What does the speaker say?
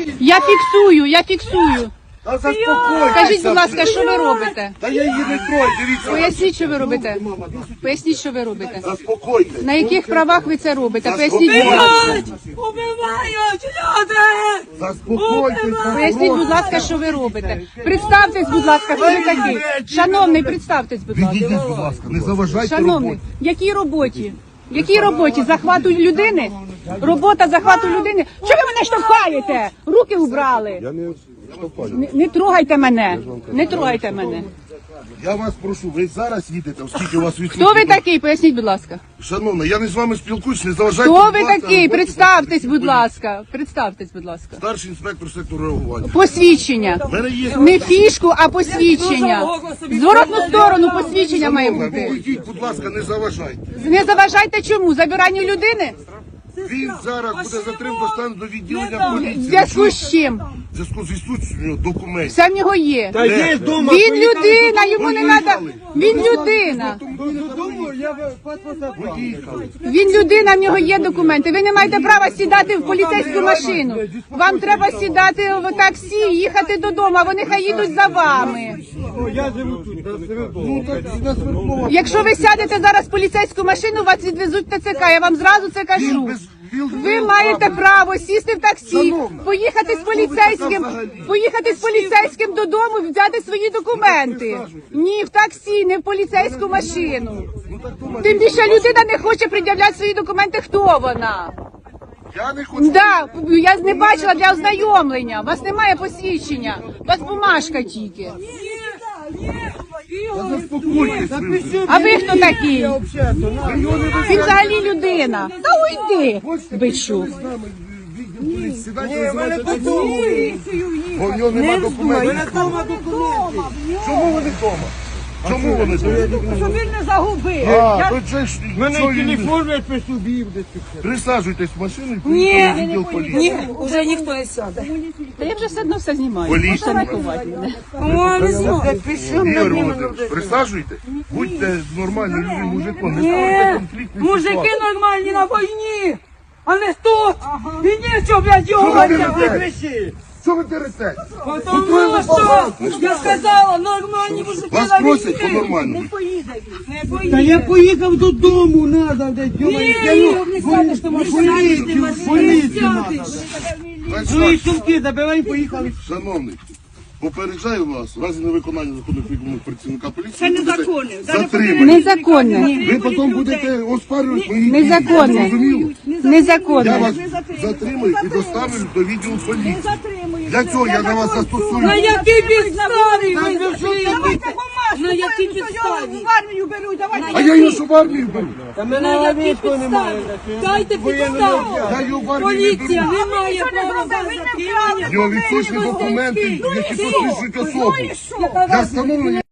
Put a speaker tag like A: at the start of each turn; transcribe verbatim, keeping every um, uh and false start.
A: Я фіксую, я фіксую.
B: Та заспокойтеся.
A: Скажіть, будь ласка, що ви робите?
B: Та я її не трою, дивіться.
A: Поясніть, що ви робите. Поясніть, що ви робите.
B: Заспокойтесь.
A: На яких правах ви це робите? Поясніть, будь ласка.
C: Убивають люди!
B: Заспокойтесь.
A: Поясніть, будь ласка, що ви робите. Представтесь, будь ласка, хто ви такий. Шановний, представтесь, будь ласка.
B: Відійдіть, будь ласка, не заважайте
A: Шановний,
B: роботі.
A: якій роботі? Якій роботі? Захвату людини? Робота захвату людини? Чого ви мене штовхаєте? Руки убрали.
B: Я не штовхаю.
A: Не, не трогайте мене. Не трогайте мене.
B: Я вас прошу, ви зараз їдете, оскільки у вас відсутні.
A: Хто ви такий? Поясніть, будь ласка.
B: Шановна, я не з вами спілкуюсь, не заважайте.
A: Хто
B: будь
A: ви
B: ласка,
A: такий?
B: роботі
A: Представтесь, будь
B: поліції.
A: ласка. Представтесь, будь ласка.
B: Старший інспектор сектору реагування.
A: Посвідчення.
B: У мене є...
A: Не фішку, а посвідчення. Зворотну сторону посвідчення має
B: Шановна,
A: бути.
B: вийдіть, будь ласка, не заважайте.
A: Не заважайте чому? Забиранню людини?
B: Він зараз буде затримано доставлено до відділення
A: В
B: поліції.
A: зв'язку з чим?
B: В зв'язку з відсутністю документів.
A: Все в нього є.
B: Де?
D: Є дома.
A: Він людина, йому не треба. Він людина.
D: Додому я паспорт забрав.
B: Поїхали.
A: Він людина, в нього є документи. Ви не маєте права сідати в поліцейську машину. Вам треба сідати в таксі, їхати додому, а вони хай їдуть за вами.
D: Я живу тут, на Свердлові.
B: Ну так на Свердлова.
A: Якщо ви сядете зараз в поліцейську машину, вас відвезуть в ТЦК. Я вам зразу це кажу. Ви маєте право сісти в таксі, поїхати з поліцейським, поїхати з поліцейським додому, взяти свої документи. Ні, в таксі, не в поліцейську машину. Тим більше людина не хоче пред'являти свої документи. Хто вона?
B: Я не хочу.
A: Да, я не бачила для ознайомлення. У вас немає посвідчення. У вас бумажка тільки.
B: Та заспокойтесь ви вже.
A: А ви хто такий?
D: Я взагалі-то, на.
A: Він взагалі людина. Та уйди, бичу.
B: З нами відділ поліції. Сідайте,
D: Ні, в мене
B: називайте
D: додому.
B: Бо в нього нема
D: У
B: документів.
D: мене дома документи.
B: Чому вони вдома? Чому вони вдома?
A: Щоб він не загубив.
B: А, то це ж...
D: У мене
B: що він-
D: телефон я присубів десь тут.
B: Присаджуйтесь в машину і поїхали в відділ поліції.
C: Ні, уже ніхто не сяде.
A: Та я вже все одно все знімаю.
B: Поліція.
A: Можете не ховати мене.
C: О, не знаю.
B: Ігор Володимирович, присаджуйте. Будьте нормальним людям, мужиком, не ставайте конфліктні
C: Мужики
B: ситуації.
C: нормальні на війні, а не тут. І нічого, блядь,
B: Що ви
C: його.
B: дерете? Що ви дерете?
C: Тому що, я сказала, нормальні мужики
B: Вас
C: на
B: просять
C: війні.
B: по-нормальному.
C: Не
D: Та я
C: поїдуть.
D: поїхав додому, надо, де дьома.
C: Ні,
D: Я ну,
C: не сядеш, ти можеш
D: поліцію,
C: сядеш, ти
D: поліцію
C: можеш
D: надо.
C: сядеш.
D: Свої сумки забирай, поїхали.
B: Шановний, попереджаю вас, в разі невиконання законних вимог працівника поліції,
C: Це
B: ви будете
C: незаконне.
B: затримані.
A: Незаконне.
B: Ви потім будете оспарювати мої дії.
A: Незаконне.
B: Зрозуміло? Я
A: Незаконне.
B: вас затримую і доставлю до відділу поліції. Для цього я на вас застосую.
C: На якій підставі ви
D: ну, що
C: зачинили?
D: це
C: На якій підставі?
E: В армію беруть, давайте.
B: А я його що в армію беру?
D: Та
C: На
D: мене
C: якій
D: навіть немає.
C: підставі? Дайте
D: Воєнного
C: підставу.
B: Я його в армію не
C: Поліція
B: беру.
C: не має права за
B: В нього відсутні документи, які посвідчують особу. Для встановлення